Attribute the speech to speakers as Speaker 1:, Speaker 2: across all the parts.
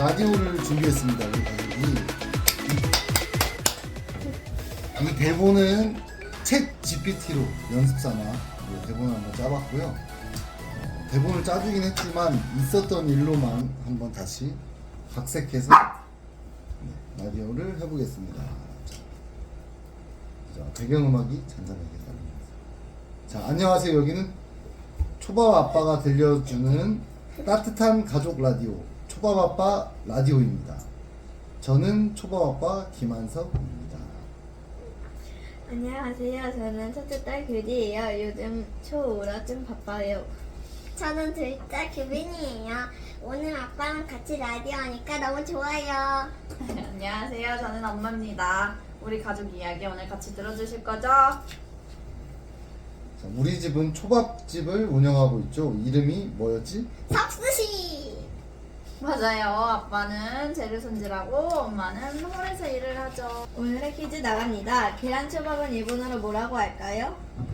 Speaker 1: 라디오를 준비했습니다. 우리 가족이. 이 대본은 챗 GPT로 연습삼아 대본을 한번 짜봤고요. 대본을 짜주긴 했지만 있었던 일로만 한번 다시 각색해서 라디오를 해보겠습니다. 자, 배경음악이 잔잔하게 나옵니다. 자, 안녕하세요. 여기는 초밥 아빠가 들려주는 따뜻한 가족 라디오 초밥 아빠 라디오입니다. 저는 초밥 아빠 김한석입니다.
Speaker 2: 안녕하세요. 저는 첫째 딸 규리예요. 요즘 초5라 좀 바빠요.
Speaker 3: 저는 둘째 규빈이에요. 오늘 아빠랑 같이 라디오 하니까 너무 좋아요.
Speaker 4: 안녕하세요. 저는 엄마입니다. 우리 가족 이야기 오늘 같이 들어주실 거죠?
Speaker 1: 자, 우리 집은 초밥집을 운영하고 있죠. 이름이 뭐였지?
Speaker 3: 석수씨.
Speaker 4: 맞아요. 아빠는 재료 손질하고 엄마는 홀에서 일을 하죠.
Speaker 2: 오늘의 퀴즈 나갑니다. 계란초밥은 일본어로 뭐라고 할까요?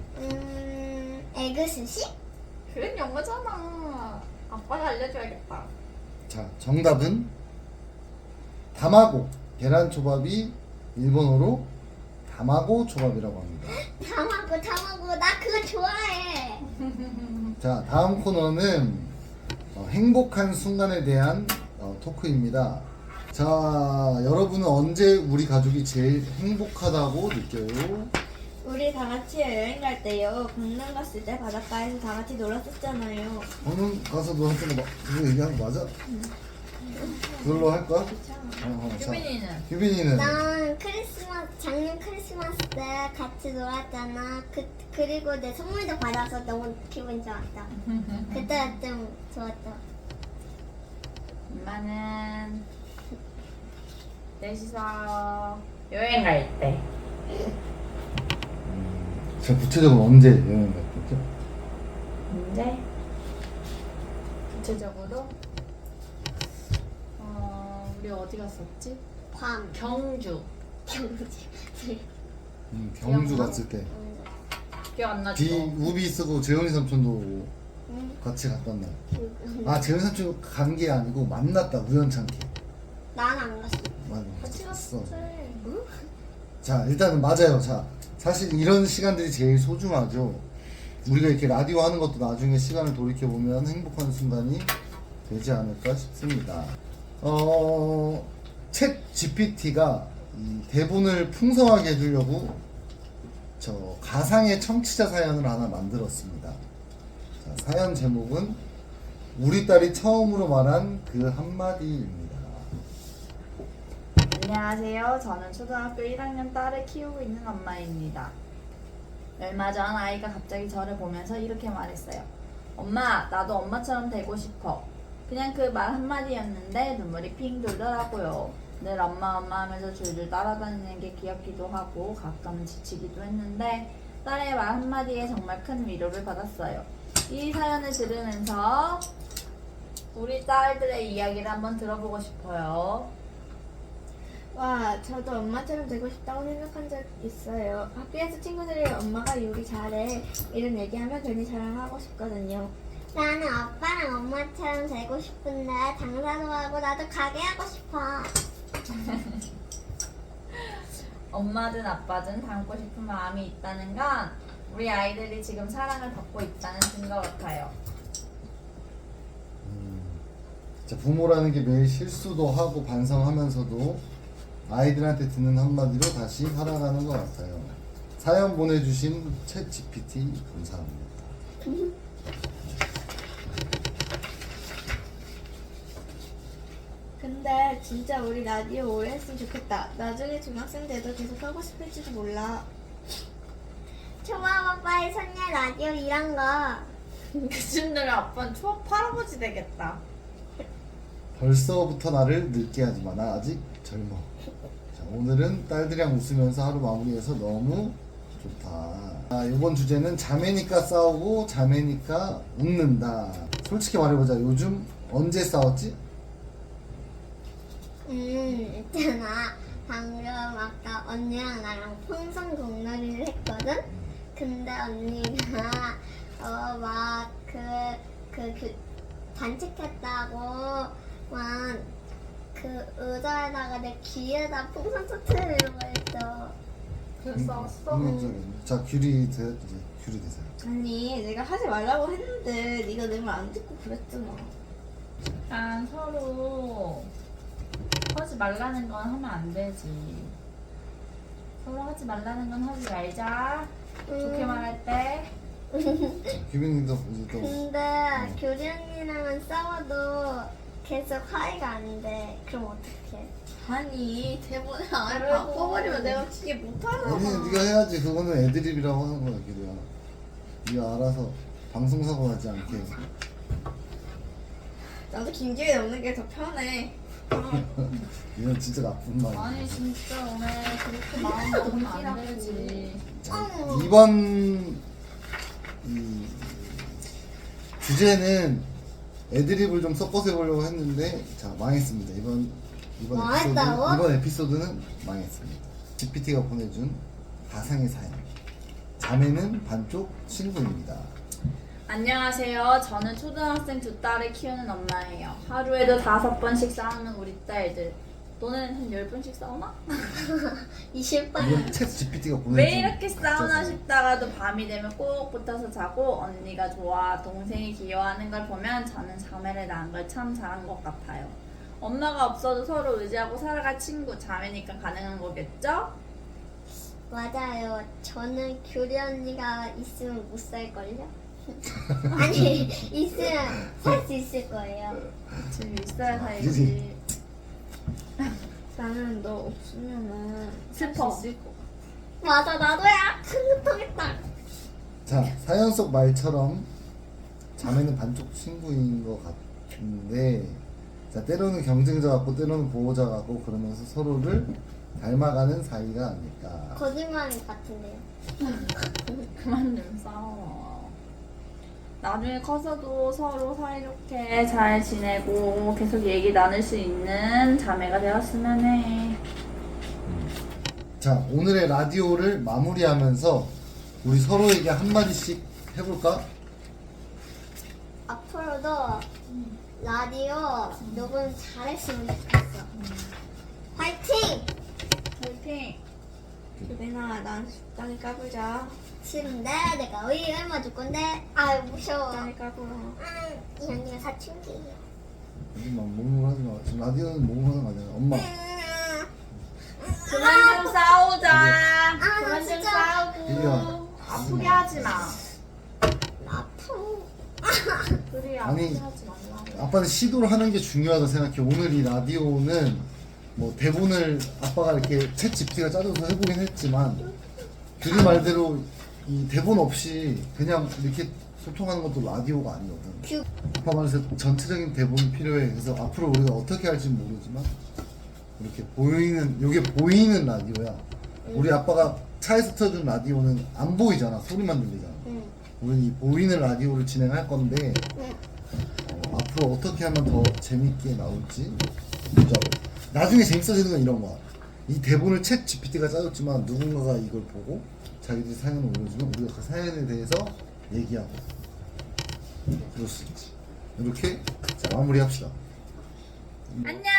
Speaker 3: 에그스시?
Speaker 4: 그건 영어잖아. 아빠가 알려줘야겠다.
Speaker 1: 자, 정답은 다마고. 계란초밥이 일본어로 다마고 초밥이라고 합니다.
Speaker 3: 타마고 나 그거 좋아해.
Speaker 1: 자, 다음 코너는 행복한 순간에 대한 토크입니다. 자, 여러분은 언제 우리 가족이 제일 행복하다고 느껴요?
Speaker 2: 우리 다 같이 여행 갈 때요. 강남 갔을 때 바닷가에서 다 같이 놀았었잖아요.
Speaker 1: 방금 가서 너한테 그거 얘기한 거 맞아? 그걸로 할까? 자,
Speaker 4: 규빈이는?
Speaker 1: 규빈이는?
Speaker 3: 난 작년 크리스마스 때 같이 놀았잖아. 그리고 내 선물도 받아서 너무 기분 좋았다. 그때 좀 좋았다.
Speaker 4: 엄마는 넷이서 여행 갈 때.
Speaker 1: 자, 구체적으로 언제 여행 갔겠죠?
Speaker 4: 근데 구체적으로 우리 어디 갔었지?
Speaker 3: 괌.
Speaker 4: 경주.
Speaker 1: 경주
Speaker 4: 기억나?
Speaker 1: 갔을 때
Speaker 4: 기억 안 나죠?
Speaker 1: 우비 쓰고 재훈이 삼촌도 오고 같이 갔던 날. 아, 재훈이 삼촌 간 게 아니고 만났다, 우연찮게.
Speaker 3: 난 안 갔어.
Speaker 1: 맞아,
Speaker 4: 같이 갔었지.
Speaker 1: 자, 일단은 맞아요. 자, 사실 이런 시간들이 제일 소중하죠. 우리가 이렇게 라디오 하는 것도 나중에 시간을 돌이켜보면 행복한 순간이 되지 않을까 싶습니다. 챗 GPT가 이 대본을 풍성하게 해주려고 저 가상의 청취자 사연을 하나 만들었습니다. 자, 사연 제목은 우리 딸이 처음으로 말한 그 한마디입니다.
Speaker 4: 안녕하세요. 저는 초등학교 1학년 딸을 키우고 있는 엄마입니다. 얼마 전 아이가 갑자기 저를 보면서 이렇게 말했어요. 엄마, 나도 엄마처럼 되고 싶어. 그냥 그 말 한마디였는데 눈물이 핑 돌더라고요. 늘 엄마 하면서 줄줄 따라다니는 게 귀엽기도 하고 가끔은 지치기도 했는데 딸의 말 한마디에 정말 큰 위로를 받았어요. 이 사연을 들으면서 우리 딸들의 이야기를 한번 들어보고 싶어요.
Speaker 2: 와, 저도 엄마처럼 되고 싶다고 생각한 적 있어요. 학교에서 친구들이 엄마가 요리 잘해 이런 얘기하면 괜히 자랑하고 싶거든요.
Speaker 3: 나는 아빠랑 엄마처럼 되고 싶은데 장사도 하고 나도 가게 하고 싶어.
Speaker 4: 엄마든 아빠든 닮고 싶은 마음이 있다는 건 우리 아이들이 지금 사랑을 받고 있다는 증거 같아요.
Speaker 1: 자, 부모라는 게 매일 실수도 하고 반성하면서도 아이들한테 듣는 한마디로 다시 살아가는 것 같아요. 사연 보내주신 챗 GPT 감사합니다.
Speaker 2: 근데 진짜 우리 라디오 오래 했으면 좋겠다. 나중에 중학생 돼도 계속 하고 싶을지도 몰라.
Speaker 3: 초밥 아빠의 선녀 라디오 이런 거.
Speaker 4: 그쯤 되면 아빠는 초밥 할아버지 되겠다.
Speaker 1: 벌써부터 나를 늙게 하지 마. 나 아직 젊어. 자, 오늘은 딸들이랑 웃으면서 하루 마무리해서 너무 좋다. 이번 주제는 자매니까 싸우고 자매니까 웃는다. 솔직히 말해보자. 요즘 언제 싸웠지?
Speaker 3: 있잖아. 방금 아까 언니랑 나랑 풍선 공놀이를 했거든? 근데 언니가 막 단축했다고 막 그 의자에다가 내 귀에다 풍선 터트리는 거 했죠.
Speaker 4: 그랬어.
Speaker 1: 자 귤이 이제 귤이 되세요.
Speaker 2: 아니 내가 하지 말라고 했는데 네가 내 말 안 듣고 그랬잖아.
Speaker 4: 일단 서로 하지 말라는 건 하면 안 되지. 서로 하지 말라는 건 하지 말자. 좋게 말할 때.
Speaker 1: 규빈님도 이제 또
Speaker 3: 근데 교리 언니랑은 싸워도 계속 화해가 안 돼. 그럼 어떡해?
Speaker 2: 아니 대본에 안
Speaker 4: 그래도-
Speaker 2: 바꿔버리면 내가 진짜 못하잖아.
Speaker 1: 아니 네가 해야지. 그거는 애드립이라고 하는 거야 규리야. 네가 알아서 방송사고 나지 않게.
Speaker 2: 나도 김기회 넣는 게 더 편해.
Speaker 1: 이건 진짜 나쁜 말이야.
Speaker 4: 아니 진짜 오늘 그렇게 마음 먹으면 안 되지.
Speaker 1: 자, 이번 이 주제는 애드립을 좀 섞어서 해보려고 했는데 자 망했습니다.
Speaker 3: 망했다고?
Speaker 1: 이번 에피소드는 망했습니다. GPT가 보내준 가상의 사연. 자매는 반쪽 친구입니다.
Speaker 4: 안녕하세요. 저는 초등학생 두 딸을 키우는 엄마예요. 하루에도 5번씩 싸우는 우리 딸들. 너는 한 10번씩 싸우나?
Speaker 3: 20번.
Speaker 1: 이건 챗 GPT가 보내준
Speaker 4: 왜 이렇게 싸우나
Speaker 1: 가짜 사연.
Speaker 4: 싶다가도 밤이 되면 꼭 붙어서 자고 언니가 좋아, 동생이 귀여워하는 걸 보면 저는 자매를 낳은 걸 참 잘한 것 같아요. 엄마가 없어도 서로 의지하고 살아갈 친구, 자매니까 가능한 거겠죠?
Speaker 3: 맞아요. 저는 교리 언니가 있으면 못 살걸요? 아니, 있으면 살 수 있을 거예요.
Speaker 4: 지금 있어야 살지.
Speaker 2: 나는 너 없으면은
Speaker 4: 슬퍼.
Speaker 2: 살수 있을 것 같아.
Speaker 3: 맞아, 나도야. 흐뭇하겠다.
Speaker 1: 자 사연 속 말처럼 자매는 반쪽 친구인 것 같은데 자 때로는 경쟁자 같고 때로는 보호자 같고 그러면서 서로를 닮아가는 사이가 아닐까.
Speaker 3: 거짓말 같은데요.
Speaker 4: 그만 좀 싸워. 나중에 커서도 서로 사이좋게 잘 지내고 계속 얘기 나눌 수 있는 자매가 되었으면 해.
Speaker 1: 자 오늘의 라디오를 마무리하면서 우리 서로에게 한마디씩 해볼까?
Speaker 3: 앞으로도 라디오 녹음 잘했으면 좋겠어. 화이팅!
Speaker 4: 화이팅!
Speaker 2: 유빈아 난 적당히 까불자.
Speaker 3: 싫은데 내가 왜 얼마 줄 건데? 아유 무서워.
Speaker 2: 적당히 까불어.
Speaker 3: 이 언니가 사춘기예요.
Speaker 1: 하지만 몸으로 하지 마. 지금 라디오는 몸으로 하는 거 아니야. 엄마.
Speaker 4: 그만 좀 싸우자.
Speaker 3: 나
Speaker 4: 그만 좀
Speaker 3: 진짜
Speaker 4: 싸우고.
Speaker 1: 이리와.
Speaker 4: 아프게 하지 마.
Speaker 3: 아파.
Speaker 4: 그래
Speaker 1: 아니,
Speaker 4: 아프게 하지 말라고.
Speaker 1: 아빠는 시도를 하는 게 중요하다 생각해. 오늘 이 라디오는 뭐 대본을 아빠가 이렇게 챗 GPT가 짜줘서 해보긴 했지만 규리 말대로 이 대본 없이 그냥 이렇게 소통하는 것도 라디오가 아니거든. 아빠 말해서 전체적인 대본이 필요해. 그래서 앞으로 우리가 어떻게 할지 모르지만 이렇게 보이는 요게 보이는 라디오야. 우리 아빠가 차에서 틀어준 라디오는 안 보이잖아. 소리만 들리잖아.
Speaker 3: 응.
Speaker 1: 우리는 이 보이는 라디오를 진행할 건데
Speaker 3: 응.
Speaker 1: 앞으로 어떻게 하면 더 재밌게 나올지 보자고. 나중에 재밌어지는 건 이런 거야. 이 대본을 챗 GPT가 짜줬지만 누군가가 이걸 보고 자기들이 사연을 올려주면 우리가 그 사연에 대해서 얘기하고 그럴 수 있지. 이렇게 자, 마무리합시다.
Speaker 4: 안녕.